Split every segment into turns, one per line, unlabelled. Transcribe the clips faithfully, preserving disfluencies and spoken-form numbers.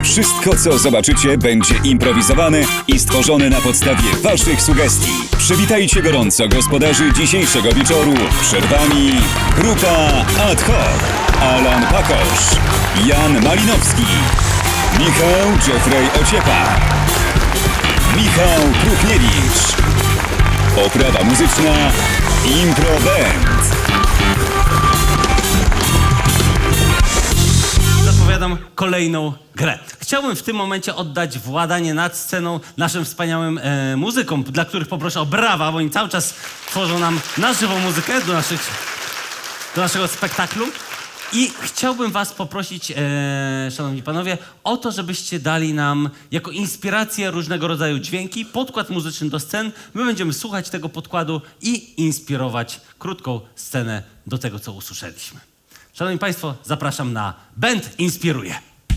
Wszystko, co zobaczycie, będzie improwizowane i stworzone na podstawie waszych sugestii. Przywitajcie gorąco gospodarzy dzisiejszego wieczoru. Przed wami grupa Ad hoc. Alan Pakosz, Jan Malinowski, Michał Jeffrey Ociepa, Michał Krupniewicz. Oprawa muzyczna Impro Band.
Zapowiadam kolejną grę. Chciałbym w tym momencie oddać władanie nad sceną naszym wspaniałym e, muzykom, dla których poproszę o brawa, bo oni cały czas tworzą nam na żywo muzykę do, naszych, do naszego spektaklu. I chciałbym was poprosić, e, szanowni panowie, o to, żebyście dali nam jako inspirację różnego rodzaju dźwięki, podkład muzyczny do scen. My będziemy słuchać tego podkładu i inspirować krótką scenę do tego, co usłyszeliśmy. Szanowni państwo, zapraszam na Band Inspiruje.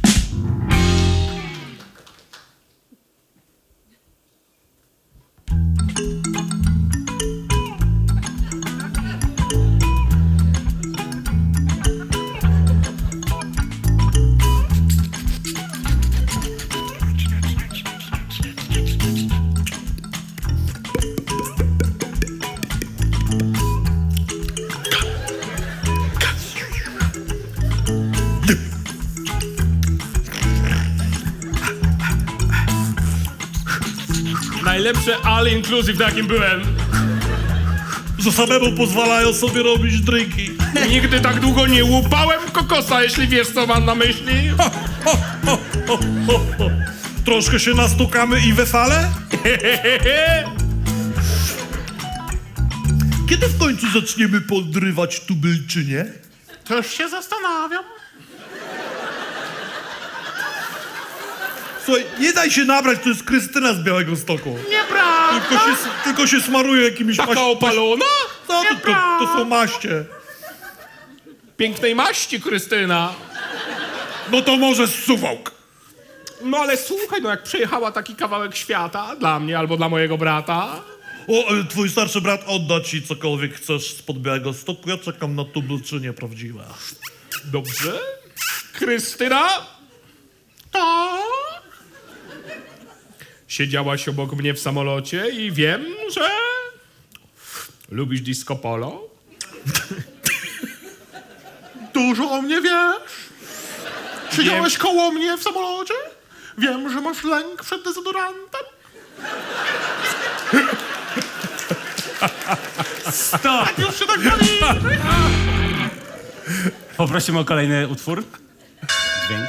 Najlepsze all inclusive, na jakim byłem.
Że samemu pozwalają sobie robić drinki.
Nigdy tak długo nie łupałem kokosa, jeśli wiesz, co mam na myśli.
Ho, ho, ho, ho, ho, ho. Troszkę się nastukamy i we fale? Kiedy w końcu zaczniemy podrywać tubylczynię?
Też się zastanawiam.
Słuchaj, nie daj się nabrać, to jest Krystyna z Białegostoku.
Nieprawda.
Tylko się, tylko się smaruje jakimiś
Taka
maś-
opalona?
No, to, to, to są maście.
Pięknej maści, Krystyna.
No to może z Suwałk.
No ale słuchaj, no jak przejechała taki kawałek świata dla mnie albo dla mojego brata.
O, ale twój starszy brat odda ci cokolwiek chcesz spod Białegostoku. Ja czekam na tubylczynię prawdziwe.
Dobrze. Krystyna? To? Siedziałaś obok mnie w samolocie i wiem, że lubisz disco polo.
Dużo o mnie wiesz? Siedziałeś koło mnie w samolocie? Wiem, że masz lęk przed dezodorantem.
Stop!
Już się tak bawi.
Poprosimy o kolejny utwór. Dźwięk.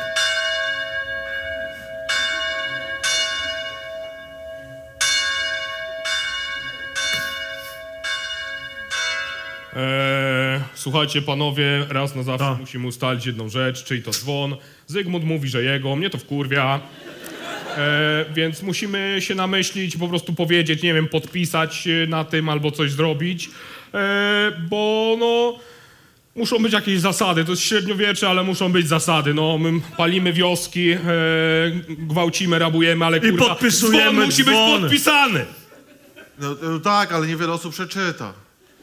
Eee, słuchajcie, panowie, raz na zawsze musimy ustalić jedną rzecz, czyli to dzwon. Zygmunt mówi, że jego, mnie to wkurwia. Eee, więc musimy się namyślić, po prostu powiedzieć, nie wiem, podpisać się na tym albo coś zrobić. Eee, bo no, muszą być jakieś zasady. To jest średniowiecze, ale muszą być zasady. No, my palimy wioski, eee, gwałcimy, rabujemy, ale kurwa,
podpisujemy
dzwon musi być
dzwony.
podpisany.
No, no tak, ale niewiele osób przeczyta.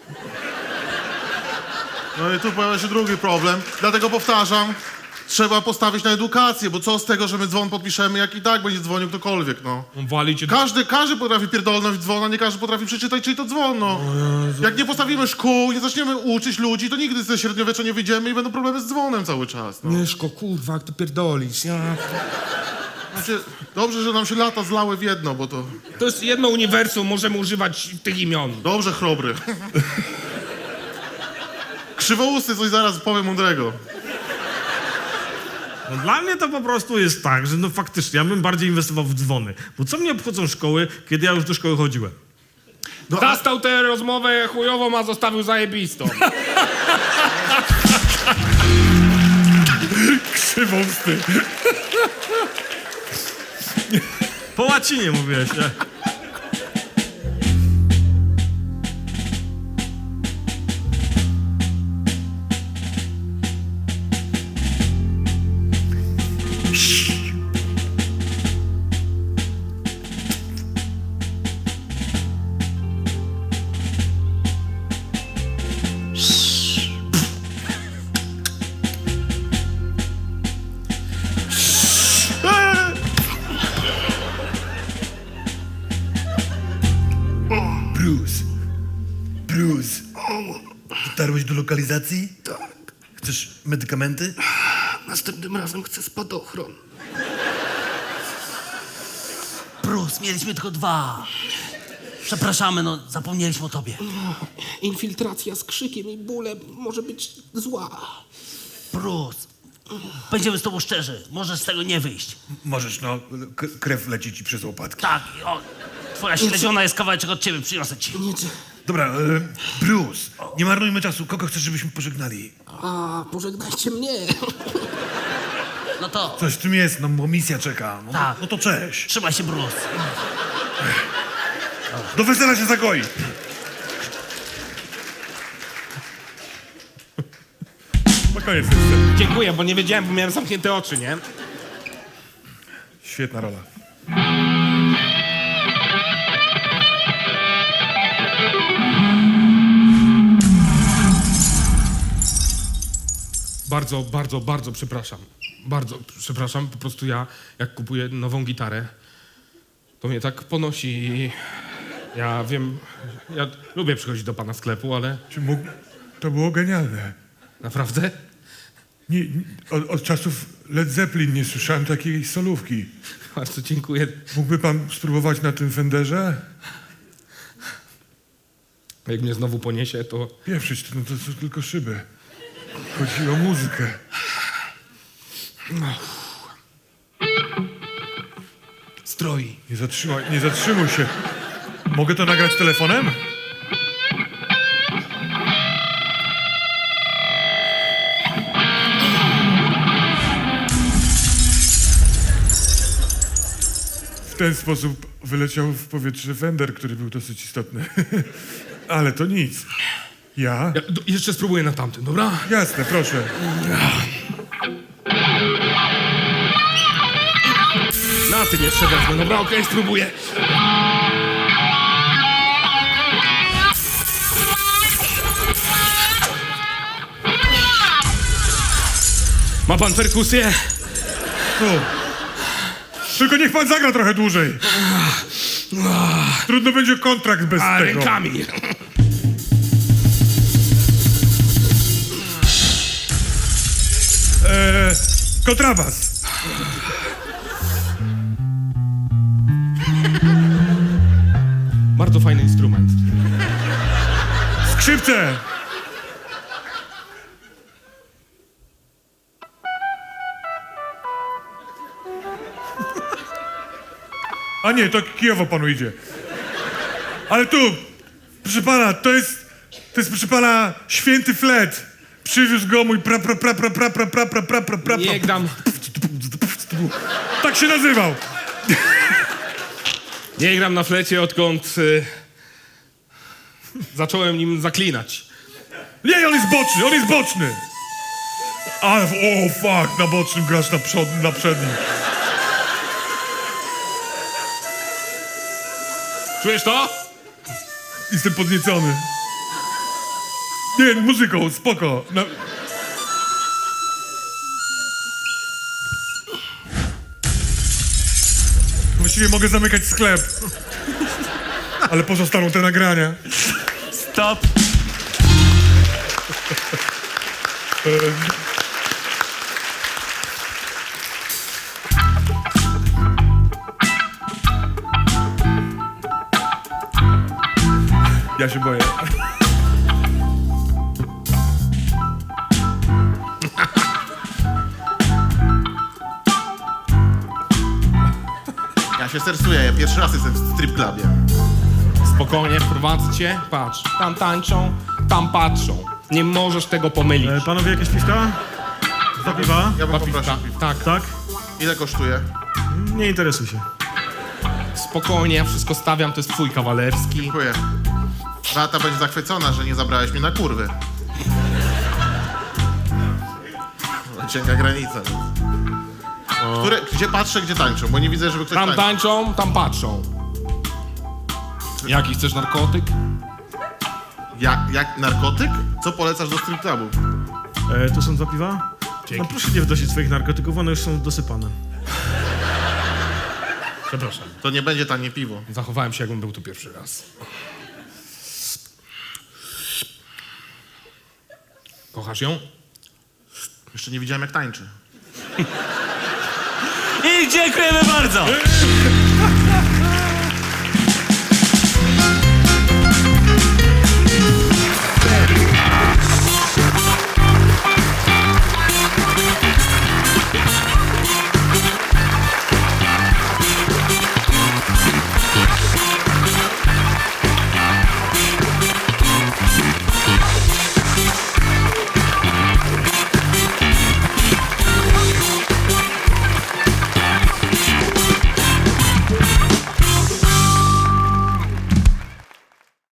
No i tu pojawia się drugi problem. Dlatego powtarzam, trzeba postawić na edukację, bo co z tego, że my dzwon podpiszemy, jak i tak będzie dzwonił ktokolwiek, no.
Walicie
Każdy, każdy potrafi pierdolnąć dzwona, nie każdy potrafi przeczytać, czyj to dzwon, no. Jak nie postawimy szkół, nie zaczniemy uczyć ludzi, to nigdy ze średniowiecza nie wyjdziemy i będą problemy z dzwonem cały czas, no.
Mieszko, kurwa, jak ty pierdolisz, ja...
Znaczy, dobrze, że nam się lata zlały w jedno, bo to...
To jest jedno uniwersum, możemy używać tych imion.
Dobrze, chrobry. Krzywousty coś zaraz powiem mądrego.
No dla mnie to po prostu jest tak, że no faktycznie ja bym bardziej inwestował w dzwony. Bo co mnie obchodzą szkoły, kiedy ja już do szkoły chodziłem?
No, a,
Zastał tę rozmowę chujową, a zostawił zajebistą.
Krzywąsty. Po łacinie mówiłeś, nie?
lokalizacji?
Tak.
Chcesz medykamenty?
Następnym razem chcę spadochron.
Bruce, mieliśmy tylko dwa. Przepraszamy, no zapomnieliśmy o tobie.
Infiltracja z krzykiem i bólem może być zła.
Bruce, będziemy z tobą szczerzy. Możesz z tego nie wyjść.
Możesz, no. K- krew leci ci przez łopatki.
Tak, o, twoja śledziona jest kawałeczek od ciebie, przyniosę ci.
Nie, czy...
Dobra, e, Bruce, nie marnujmy czasu. Kogo chcesz, żebyśmy pożegnali?
A, pożegnajcie mnie.
No to
Coś w tym jest, no bo misja czeka. No,
Tak.
no to cześć.
trzymaj się, Bruce.
Do wesela się zagoi.
No koniec tej sceny. Dziękuję, bo nie wiedziałem, bo miałem zamknięte oczy, nie?
Świetna rola.
Bardzo, bardzo, bardzo przepraszam. Bardzo przepraszam, po prostu ja, jak kupuję nową gitarę, to mnie tak ponosi i ja wiem, ja lubię przychodzić do pana sklepu, ale
Czy mógł... To było genialne.
naprawdę?
Nie, nie, od, od czasów Led Zeppelin nie słyszałem takiej solówki.
Bardzo dziękuję.
Mógłby pan spróbować na tym Fenderze?
Jak mnie znowu poniesie, to
Pieprzyć, to, no to są tylko szyby. Chodzi o muzykę.
Stroi.
Nie zatrzymaj, nie zatrzymuj się. Mogę to nagrać telefonem? W ten sposób wyleciał w powietrze Fender, który był dosyć istotny. Ale to nic. Ja?
ja do, jeszcze spróbuję na tamtym, dobra?
Jasne, proszę.
Na tym jeszcze wezmę, dobra? Okej, spróbuję. Ma pan perkusję?
Tu. Tylko niech pan zagra trochę dłużej. Trudno będzie kontrakt bez
A,
tego.
rękami.
Eee, kontrabas.
Bardzo fajny instrument.
Skrzypce. A nie, to Kijowo panu idzie. Ale tu, proszę pana, to jest, to jest proszę pana święty flet. Przywiózł go mój pra pra pra pra pra pra pra pra pra pra pra
Nie gram,
Tak się nazywał.
nie gram na flecie, odkąd y, zacząłem nim zaklinać.
Nie, on jest boczny, on jest boczny. A, o fuck, na bocznym grasz na, przod, na przednim.
Czujesz to?
Jestem podniecony. Nie, muzyką, spoko. Na... Właściwie mogę zamykać sklep. Ale pozostaną te nagrania.
Stop.
Ja się boję.
Ja się stresuję, ja pierwszy raz jestem w strip clubie.
Spokojnie, wprowadzę cię. Patrz, tam tańczą, tam patrzą. Nie możesz tego pomylić.
E, panowie, jakieś piwka? Dwa piwa?
Ja bym
Dwa
poprosił
piwka.
piwko.
Tak,
Tak?
Ile kosztuje?
Nie interesuj się.
spokojnie, ja wszystko stawiam, to jest twój kawalerski.
Dziękuję. Beata będzie zachwycona, że nie zabrałeś mnie na kurwy. Cienka granica. Które, gdzie patrzę, gdzie tańczą, bo nie widzę, żeby ktoś
Tam
tańczył.
tańczą, tam patrzą. Jaki chcesz narkotyk?
Jak, jak narkotyk? Co polecasz do strip clubu?
E, tu są dwa piwa? No proszę nie wnosić swoich narkotyków, one już są dosypane.
Przepraszam.
To nie będzie tanie piwo.
Zachowałem się, jakbym był tu pierwszy raz. Kochasz ją?
Jeszcze nie widziałem, jak tańczy.
I dziękujemy bardzo!